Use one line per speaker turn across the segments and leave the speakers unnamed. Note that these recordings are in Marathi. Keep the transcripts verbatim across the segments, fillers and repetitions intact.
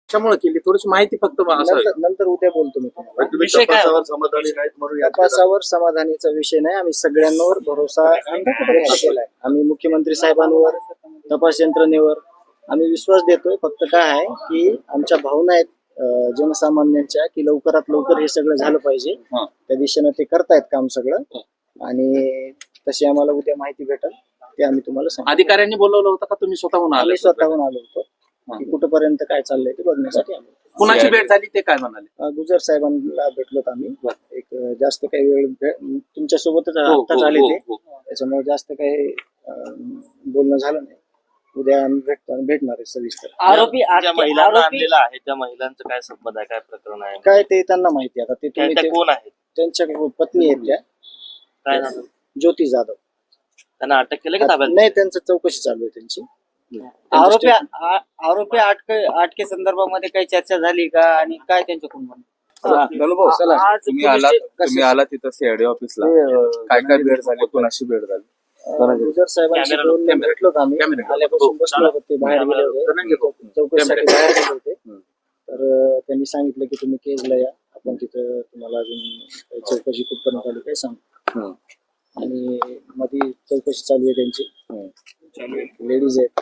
कशामुळे केली थोडीशी माहिती फक्त असावी.
नंतर नंतर उद्या बोलतो मी तुम्हाला.
तुम्ही
विषय काय
तपासावर समाधानी नाहीत म्हणून याचिका
तपासावर समाधानीचा विषय नाही. आम्ही सगळ्यांवर भरोसा व्यक्त केलाय. आम्ही मुख्यमंत्री साहेबांवर, तपास यंत्रणेवर आम्ही विश्वास देतोय. फक्त काय आहे की आमच्या भावना आहेत अं, जनसामान्यांच्या, की लवकरात लवकर हे सगळं झालं पाहिजे.
हा.
त्या दिशेनं ते करतायत काम सगळं, आणि तशी आम्हाला उद्या माहिती भेटेल ते आम्ही तुम्हाला सांगू.
अधिकाऱ्यांनी बोलवलं होतं का तुम्ही स्वतःहून आले?
आम्ही स्वतःहून आलो होतो की कुठपर्यंत काय चाललंय ते बघण्यासाठी आलो.
कुणाची भेट झाली ते काय म्हणाले?
अं, गुजर साहेबांना भेटलोत आम्ही. एक अं, जास्त काही वेळ तुमच्या सोबतच
हो, हो,
आत्ताच आले
हो,
ते,
हो.
त्याच्यामुळे जास्त काही अं, बोलणं झालं नाही. उद्या आम्ही भेटतो भेटणार आहे सविस्तर.
आरोपी
ज्या
आरोपी
महिलांना आणलेला आहे त्या महिलांचं काय संबंध आहे, काय प्रकरण आहे,
काय ते त्यांना माहिती आता. ते
काय
तुम्ही
त्या
ते-
कोण आहेत,
त्यांच्या पत्नी आहेत त्या,
काय झालं,
ज्योती जाधव.
त्यांना अटक केलं की ताब्यात?
नाही, त्यांचं चौकशी चालू आहे त्यांची.
आरोपी आ- आरोपी अटके अटके संदर्भामध्ये काही चर्चा झाली का, आणि काय त्यांच्याकडून म्हणणं?
भाऊ चला,
आज
तुम्ही
पोलीस
आलात
स्टे-
तुम्ही आलात तिथं सीआयडी ऑफिसला. काय काय भेट झाली, कोणाशी भेट झाली?
अं, गुजर साहेबांशी
कॅमेरा-
दोन
कॅमेरा-
भेटलोत आम्ही.
कॅमेरा-
आल्यापासून
हो,
बसलो होतो, ते बाहेर गेले होते चौकशीसाठी बाहेर गेले होते. तर अं, त्यांनी सांगितलं की तुम्ही केजला या, आपण तिथं तुम्हाला अजून काही चौकशी कुठपर्यंत आली काय सांग.
हम्म.
आणि मध्ये चौकशी चालू आहे त्यांची. लेडीज आहेत,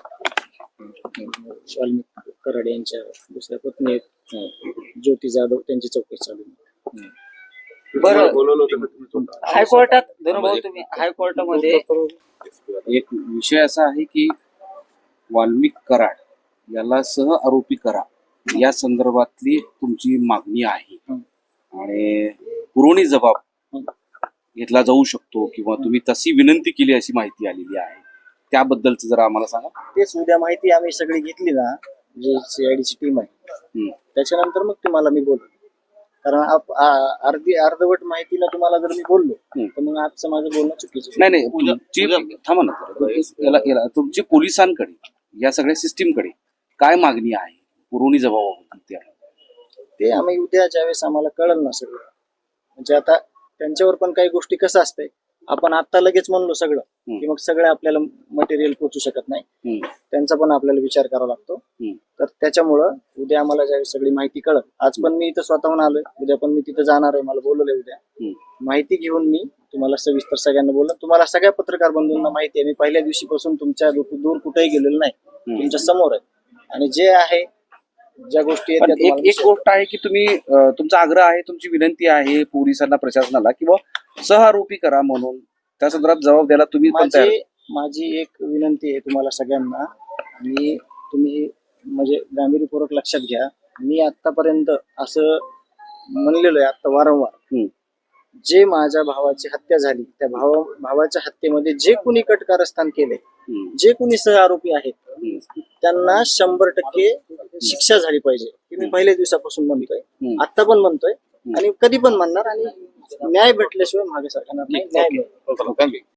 वाल्मिक कराड यांच्या दुसऱ्या पत्नी आहेत ज्योती जाधव, त्यांची चौकशी चालू आहे.
बरं,
बोलवलं होतं का तुम्ही स्वतः?
हायकोर्टात धनुभाऊ तुम्ही हायकोर्टामध्ये
एक विषय असा आहे की वाल्मिक कराड याला सह आरोपी करा या संदर्भातली तुमची मागणी आहे, आणि पुरवणी जबाब घेतला जाऊ शकतो किंवा तुम्ही तशी विनंती केली अशी माहिती आलेली आहे. त्याबद्दलच जरा आम्हाला सांगा.
तेच उद्या माहिती आम्ही सगळी घेतली ना, जी सीआयडीची टीम आहे,
हम्म.
त्याच्यानंतर मग तुम्हाला मी बोलतो. कारण आप- आ- अर्धी अर्धवट माहितीला तुम्हाला जर मी बोललो
हम्म.
तर मग आजचं माझं बोलणं चुकीचं आहे.
नाही नाही तुमची थांबा ना जरा. याला याला तुमची पोलिसांकडे या सगळ्या सिस्टीमकडे काय मागणी आहे पुरवणी जबाबाबद्दल? त्या
ते आम्ही उद्या ज्यावेळेस आम्हाला कळलं ना सगळं, म्हणजे आता त्यांच्यावर पण काही गोष्टी कसं असतंय, आपण आता लगेच म्हणलो सगळं की मग सगळं आपल्याला मटेरियल पोचू शकत नाही.
हम्म.
त्यांचा पण आपल्याला विचार करावा लागतो.
हम्म.
तर त्याच्यामुळं उद्या आम्हाला ज्यावेळेस सगळी माहिती कळत, आज पण मी इथं स्वतःहून आलोय, उद्या पण मी तिथं जाणार आहे, मला बोलवलंय उद्या.
हम्म.
माहिती घेऊन मी तुम्हाला सविस्तर सगळ्यांना बोललो. तुम्हाला सगळ्या पत्रकार बंधूंना माहिती आहे, मी पहिल्या दिवशीपासून तुमच्या दूर दूर कुठेही गेलेलो नाही, तुमच्या समोर आहे. आणि जे आहे ज्या गोष्टी आहेत
पण
त्या
एक
तुम्हाला
एक गोष्ट आहे की तुम्ही अं, तुमचा आग्रह आहे, तुमची विनंती आहे पोलिसांना, प्रशासनाला, किंवा सहआरोपी करा म्हणून त्या संदर्भात जबाब द्यायला तुम्ही पण तयार?
माझी माझी एक विनंती आहे तुम्हाला सगळ्यांना, आणि तुम्ही म्हणजे गांभीर्यपूर्वक लक्षात घ्या. मी आतापर्यंत असं म्हणलेलो आहे आता वारंवार,
हम्म.
जे माझ्या भावाची हत्या झाली त्या भावा भावाच्या हत्येमध्ये जे कुणी कटकारस्थान केले,
हम्म.
जे कुणी सहआरोपी आहेत,
हम्म.
त्यांना शंभर टक्के शिक्षा झाली पाहिजे. हे मी पहिल्या दिवसापासून म्हणतोय,
हम्म.
आता पण म्हणतोय, आणि कधी पण म्हणणार. आणि न्याय भेटल्याशिवाय मागे सरकार नाही. न्याय मिळेल.
थँक्यू.